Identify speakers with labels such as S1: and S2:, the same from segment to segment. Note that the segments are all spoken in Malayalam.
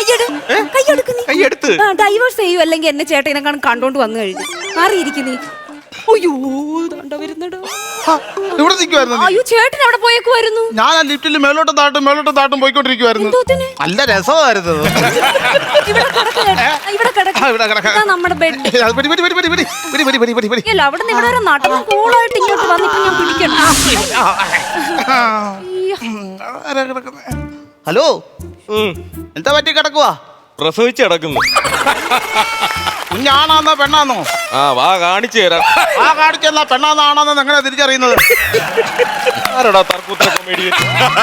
S1: കൈയെടുത്ത്
S2: ഡൈവേഴ്സ് ചെയ്യൂ, അല്ലെങ്കിൽ എന്നെ ചേട്ടനെ കണ്ടോണ്ട് വന്നു കഴിഞ്ഞു. മാറിയിരിക്കുന്നീ. അയ്യോ വരുന്നടോ.
S3: ഇവിടെ നിൽക്കുവായിരുന്നു.
S2: അയ്യോ ചേട്ടൻ അവിടെ പോയേക്കുമായിരുന്നു.
S3: ഞാൻ ആ ലിഫ്റ്റിൽ മേലോട്ടും താട്ടും പോയിക്കൊണ്ടിരിക്കുവായിരുന്നു. നല്ല രസമായിരുന്നു.
S2: നമ്മുടെ ബെഡ് അവിടെ നിന്ന് ഇവിടെ നാട്ടിൽ കൂളായിട്ട് ഇങ്ങോട്ട് വന്നിട്ട് ഞാൻ പിടിക്കണം.
S3: ഹലോ, എന്താ പറ്റി കിടക്കുവാ?
S1: പ്രസവിച്ച് കിടക്കുന്നു.
S3: കുഞ്ഞാണാന്നോ പെണ്ണാന്നോ?
S1: വാ കാണിച്ചു തരാം.
S3: ആ കാണിച്ചെന്നാ പെണ്ണാന്നോ ആണാന്നോ എങ്ങനെ തിരിച്ചറിയുന്നത്?
S1: ആരടാ തർക്കൂത്തര കൊമേഡിയൻ?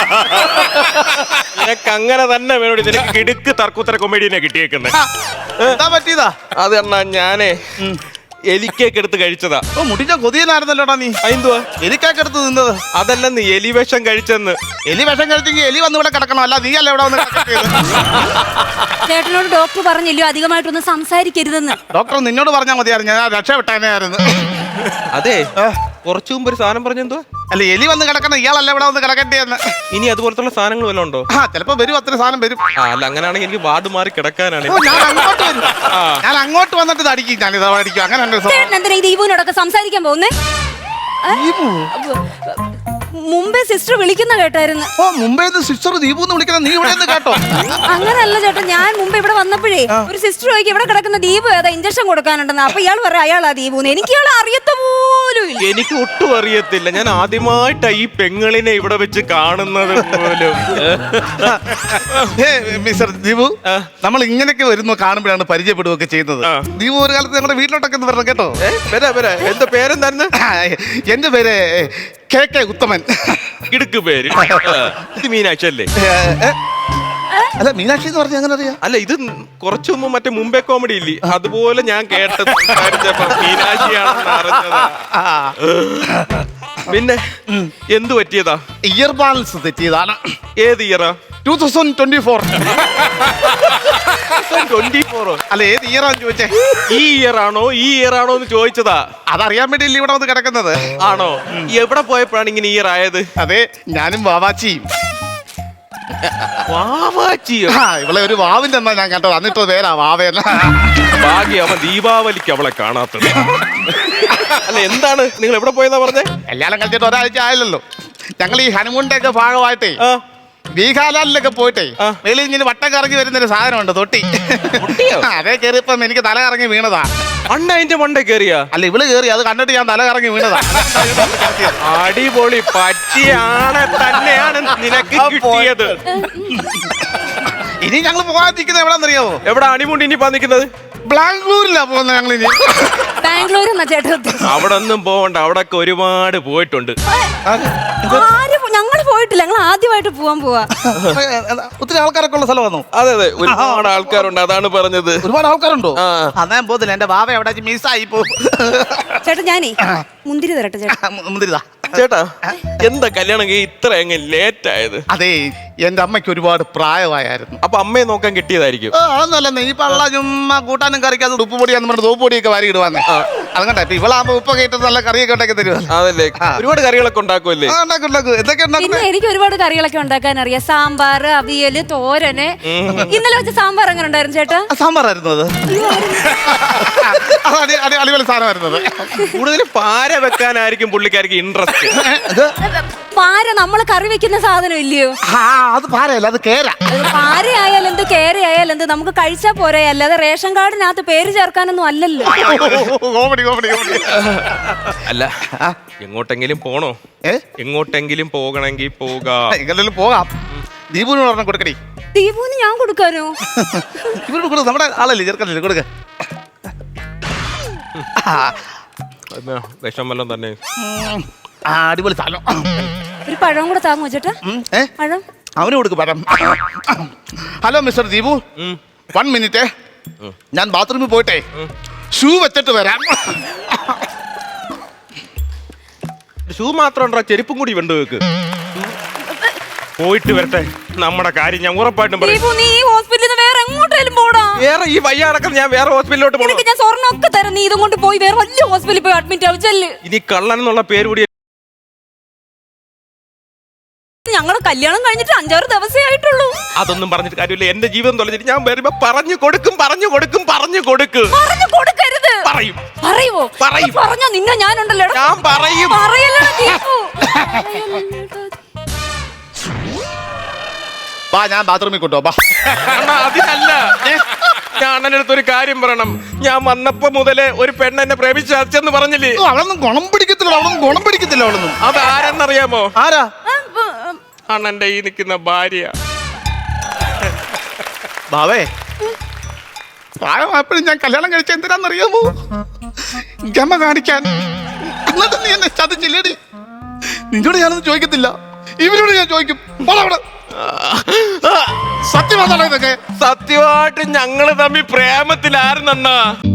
S1: നിനക്ക് അങ്ങനെ തന്നെ വേണോടി. നിനക്ക് കിടുക്ക് തർക്കൂത്തര കൊമേഡിയനെ കിട്ടിയേക്കുന്നത്.
S3: എന്താ പറ്റിയതാ?
S1: അത് എന്നാ ഞാനേ എലിക്കേക്ക് എടുത്ത് കഴിച്ചതാ.
S3: മുടിച്ച കൊതിയനായിരുന്നല്ലോടാ നീ.
S1: എന്തുവാ
S3: എലിക്കേക്ക് എടുത്ത് തിന്നത്?
S1: അതല്ലെന്ന് എലി വിഷം കഴിച്ചെന്ന്.
S3: എലി വിഷം കഴിച്ചെങ്കിൽ എലി വന്ന് ഇവിടെ കിടക്കണം, അല്ല നീ അല്ല ഇവിടെ വന്ന്
S2: ചേട്ടനോട് ഡോക്ടർ പറഞ്ഞില്ലയോ അധികമായിട്ടൊന്നും സംസാരിക്കരുതെന്ന്?
S3: ഡോക്ടർ നിന്നോട് പറഞ്ഞാൽ മതിയായിരുന്നു, ഞാൻ രക്ഷപ്പെട്ടേനായിരുന്നു.
S1: അതെ, കുറച്ചു മുമ്പ് ഒരു സാധനം പറഞ്ഞെന്തോ?
S3: അല്ല, എലി വന്ന് കിടക്കണം, ഇയാളല്ല ഇവിടെ വന്ന് കിടക്കണ്ടേന്ന്.
S1: ഇനി അതുപോലത്തുള്ള സാധനങ്ങൾ വല്ലതും ഉണ്ടോ?
S3: ചിലപ്പോ വരും, അത്ര സാധനം വരും.
S1: അല്ല, അങ്ങനെയാണെങ്കിൽ എനിക്ക് വാർഡ് മാറി കിടക്കാനാണ്.
S3: ഞാൻ അങ്ങോട്ട് വന്നിട്ട് തടിക്കും, ഞാൻ ഇതാ അടിക്കും. അങ്ങനെ
S2: എന്തിനാ ഈ ദീപുവിനോടൊക്കെ സംസാരിക്കാൻ പോകുന്നേ? മുമ്പേ സിസ്റ്റർ വിളിക്കുന്ന കേട്ടായിരുന്നു.
S3: മുംബൈ സിസ്റ്റർ ദീപു എന്ന് വിളിക്കുന്ന നീ ഇവിടെ കേട്ടോ?
S2: അങ്ങനല്ല ചേട്ടാ, ഞാൻ മുമ്പ് ഇവിടെ വന്നപ്പോഴേ ഒരു സിസ്റ്റർ ചോദിക്കും ഇവിടെ കിടക്കുന്ന ദീപു ഏതാ, ഇഞ്ചക്ഷൻ കൊടുക്കാനുണ്ടെന്ന്. അപ്പൊ ഇയാൾ പറയാം അയാളാ ദീപുന്ന്. എനിക്ക് ഇയാളെ അറിയത്ത പോലും ഇല്ല.
S1: എനിക്ക് ഒട്ടും അറിയത്തില്ല. ഞാൻ ആദ്യമായിട്ടാ ഈ പെങ്ങളിനെ ഇവിടെ വെച്ച് കാണുന്നത് പോലും.
S3: മിസ്റ്റർ ദീപു, നമ്മൾ ഇങ്ങനെയൊക്കെ വരുന്നു കാണുമ്പോഴാണ് പരിചയപ്പെടുകയൊക്കെ ചെയ്യുന്നത്. ദീപു ഒരു കാലത്ത് നമ്മുടെ വീട്ടിലോട്ടൊക്കെ വരണം കേട്ടോ.
S1: എന്താ പേരെന്തായിരുന്നു?
S3: എന്റെ പേര് KK ഉത്തമൻ.
S1: കിടുക്ക് പേര്. ഇത് മീനാക്ഷി അല്ലേ?
S3: അല്ല, മീനാക്ഷി എന്ന് പറഞ്ഞ അങ്ങനെ അറിയാം?
S1: അല്ല, ഇത് കുറച്ചു മുമ്പ് മറ്റേ മുംബൈ കോമഡി ഇല്ലേ, അതുപോലെ ഞാൻ കേട്ടത് മീനാക്ഷിയാണെന്ന് അറിഞ്ഞതാ. പിന്നെ എന്തു പറ്റിയതാ?
S3: ഇയർ ബാലൻസ് തെറ്റിയതാണ്.
S1: ഏത് ഇയറാ?
S3: 2024.
S1: 24?
S3: അല്ല, ഏത് ഇയറാന്ന് ചോദിച്ചേ?
S1: ഈ ഇയറാണോ എന്ന് ചോദിച്ചതാ.
S3: അതറിയാൻ വേണ്ടിയില്ല ഇവിടെ വന്ന് കിടക്കുന്നത്.
S1: ആണോ? എവിടെ പോയപ്പോഴാണ് ഇങ്ങനെ ഇയർ ആയത്?
S3: അതെ, ഞാനും വാവാച്ചിയും.
S1: വാവാച്ചിയോ?
S3: ഇവളെ ഒരു വാവിന്റെ എന്നാ ഞാൻ കേട്ടോ, എന്നിട്ട് പേരാ വാവേന.
S1: ഭാഗ്യം അവൻ ദീപാവലിക്ക് അവളെ കാണാത്തത്. അല്ല, എന്താണ് നിങ്ങൾ എവിടെ പോയെന്നാ പറഞ്ഞേ?
S3: കല്യാണം കഴിച്ചിട്ട് ഒരാഴ്ച ആയില്ലല്ലോ. ഞങ്ങൾ ഈ ഹനുമൂണിന്റെ ഒക്കെ ഭാഗമായിട്ടേ ബീഹാലാലിലൊക്കെ പോയിട്ടേ വെളിയിൽ ഇങ്ങനെ വട്ടം കറങ്ങി വരുന്നൊരു സാധനമുണ്ട്, തൊട്ടി. അതേ കയറിയപ്പം എനിക്ക് തല കറങ്ങി വീണതാ.
S1: അതിന്റെ മണ്ടേ കയറിയാ?
S3: അല്ല, ഇവള് കയറി, അത് കണ്ടിട്ട് ഞാൻ തല കറങ്ങി വീണതാ.
S1: അടിപൊളി പറ്റിയാണ് തന്നെയാണ് നിനക്ക് കിട്ടിയത്.
S3: ഇനി ഞങ്ങൾ പോകാതിരിക്കുന്നത് എവിടെന്നറിയാവോ?
S1: എവിടെ ഹണിമൂൺ ഇനി നിൽക്കുന്നത്?
S3: ബാംഗ്ലൂരിലാ പോകുന്നത് ഞങ്ങൾ. ഇനി
S2: ബാംഗ്ലൂർ
S1: അവിടെ ഒന്നും പോവണ്ട, അവിടെ ഒരുപാട് പോയിട്ടുണ്ട്.
S2: ഞങ്ങൾ പോയിട്ടില്ല, ഞങ്ങൾ ആദ്യമായിട്ട് പോവാ.
S3: ഒത്തിരി ആൾക്കാരൊക്കെ ഉള്ള സ്ഥലമാണോ?
S1: അതെ, ഒരുപാട് ആൾക്കാരുണ്ട്, അതാണ് പറഞ്ഞത്.
S3: ഒരുപാട് ആൾക്കാരുണ്ടോ? ഞാൻ പോകുന്നില്ല, എന്റെ ബാബ എവിടെ മിസ്സായി പോകും.
S2: ചേട്ടാ, ഞാനേ മുന്തിരി തരട്ടെ ചേട്ടാ.
S3: മുന്തിരിതാ
S1: ചേട്ടാ. എന്താ കല്യാണം ഇത്ര ലേറ്റ് ആയത്?
S3: അതെ, എന്റെ അമ്മയ്ക്ക് ഒരുപാട് പ്രായമായിരുന്നു.
S1: അപ്പൊ അമ്മയെ നോക്കാൻ കിട്ടിയതായിരിക്കും.
S3: അതൊന്നല്ല, ഈ പള്ള ചുമ്മാ കൂട്ടാനും കറിക്കാതെ ഉപ്പ് പൊടിയാന്ന് പറഞ്ഞ തോപ്പ് പൊടിയൊക്കെ വാരി ഇടുവാന്നേ. അതുകൊണ്ടാ ഇപ്പൊ ഇവളാകുമ്പോ ഉപ്പൊക്കെ ഇട്ട് നല്ല കറിയൊക്കെ ഉണ്ടാക്കി തരുമല്ലോ.
S1: അതല്ലേ, ഒരുപാട് കറികളൊക്കെ ഉണ്ടാക്കുമല്ലേ?
S3: എന്തൊക്കെ
S2: പിന്നെ എനിക്ക് ഒരുപാട് കറികളൊക്കെ ഉണ്ടാക്കാൻ അറിയാം. സാമ്പാർ, അവിയല്, തോരന്. ഇന്നലെ വെച്ച സാമ്പാർ എങ്ങനെ ഉണ്ടായിരുന്നു ചേട്ടാ?
S3: സാമ്പാറായിരുന്നു അത്. അടിപൊളി സാധനമായിരുന്നത്.
S1: കൂടുതൽ പാര വെക്കാനായിരിക്കും പുള്ളിക്കാർക്ക് ഇൻട്രസ്റ്റ്.
S2: പാര നമ്മള് കറി വെക്കുന്ന സാധനം ഇല്ലയോ?
S3: അത് പാരയല്ല, അത് കേര.
S2: പാര ആയാലെന്ത് കേര ആയാലെന്ത് നമുക്ക് കഴിച്ചാ പോരെ, അല്ലാതെ റേഷൻ കാർഡിനകത്ത് പേര് ചേർക്കാനൊന്നും അല്ലല്ലോ.
S1: അല്ല, എങ്ങോട്ടെങ്കിലും പോണോ? എങ്ങോട്ടെങ്കിലും പോകണമെങ്കിൽ
S3: പോകാം. ദീപുവിനോട് പറഞ്ഞ കൊടുക്കടി.
S2: ദീപുവിന് ഞാൻ കൊടുക്കാനോ?
S3: ഇവരോട് കൊടുക്കും, നമ്മുടെ ആളല്ലേ, ചെറുക്കല്ലേ, കൊടുക്ക.
S1: വിഷം വല്ലതും തന്നെ.
S3: അടിപൊളി സാധനം.
S2: ഒരു പഴം കൂടെ താങ്ങോ ചേട്ടാ? പഴം
S3: അവന് കൊടുക്ക്, പഴം. ഹലോ മിസ്റ്റർ ദീപു, 1 മിനിറ്റ്, ഞാൻ ബാത്റൂമിൽ പോയിട്ടെ ഷൂ വെച്ചിട്ട് വരാം.
S1: ഷൂ മാത്രം ഉണ്ടോ? ചെരുപ്പും കൂടി വേണ്ട വെക്ക്. പോയിട്ട് വരട്ടെ, നമ്മുടെ കാര്യം ഞാൻ ഉറപ്പായിട്ടും പറയും. വേറെ ഈ വയ്യാടക്കം ഞാൻ വേറെ ഹോസ്പിറ്റലിലോട്ട് പോകണം.
S2: ഞാൻ സ്വർണ്ണമൊക്കെ തരാം, നീ ഇതും കൊണ്ട് പോയി വേറെ വലിയ ഹോസ്പിറ്റലിൽ പോയി അഡ്മിറ്റ് ആവും.
S1: ഇനി കള്ളൻ എന്നുള്ള പേര് കൂടി
S2: ഞങ്ങള് കല്യാണം കഴിഞ്ഞിട്ട് 5-6 ദിവസമേ ആയിട്ടുള്ളൂ.
S1: അതൊന്നും പറഞ്ഞിട്ട് കാര്യമില്ല. എന്റെ ജീവിതം തൊലഞ്ഞിട്ട് ഞാൻ വരുമ്പോ പറഞ്ഞു കൊടുക്കും.
S2: പറഞ്ഞു കൊടുക്കരുത്.
S1: പറയും.
S2: പറയുവോ?
S1: പറയും.
S2: പറഞ്ഞോ നിന്നെ ഞാനുണ്ടല്ലോ.
S1: ഞാൻ പറയും.
S2: പറയല്ലടാ ദീപു.
S3: വാ, ഞാൻ ബാത്റൂമിൽ കൊണ്ടോ.
S1: അതിനല്ല, ഞാൻ അണ്ണൻ്റെ അടുത്ത് ഒരു കാര്യം പറയണം. ഞാൻ വന്നപ്പോ മുതലേ ഒരു പെണ്ണ് എന്നെ പ്രേമിച്ച് അച്ഛന്ന് പറഞ്ഞില്ലേ?
S3: അവളൊന്നും ഗുണം പിടിക്കത്തില്ല.
S1: അത് ആരെന്നറിയാമോ?
S3: ആരാ?
S1: അണ്ണന്റെ ഈ നിൽക്കുന്ന ഭാര്യ.
S3: ബാവേ, പ്രായമായപ്പോഴും ഞാൻ കല്യാണം കഴിച്ച എന്തിനാന്നറിയാമോ? ഗമ കാണിക്കാൻ. എന്നിട്ട് നീ എന്നെ ചതിച്ചില്ലേടി? നിന്നോട് ഞാനൊന്നും ചോദിക്കത്തില്ല, ഇവരോട് ഞാൻ ചോദിക്കും. സത്യമാണോ ഇതൊക്കെ?
S1: സത്യമായിട്ട് ഞങ്ങള് തമ്മിൽ പ്രേമത്തിലായിരുന്നണ്ണ.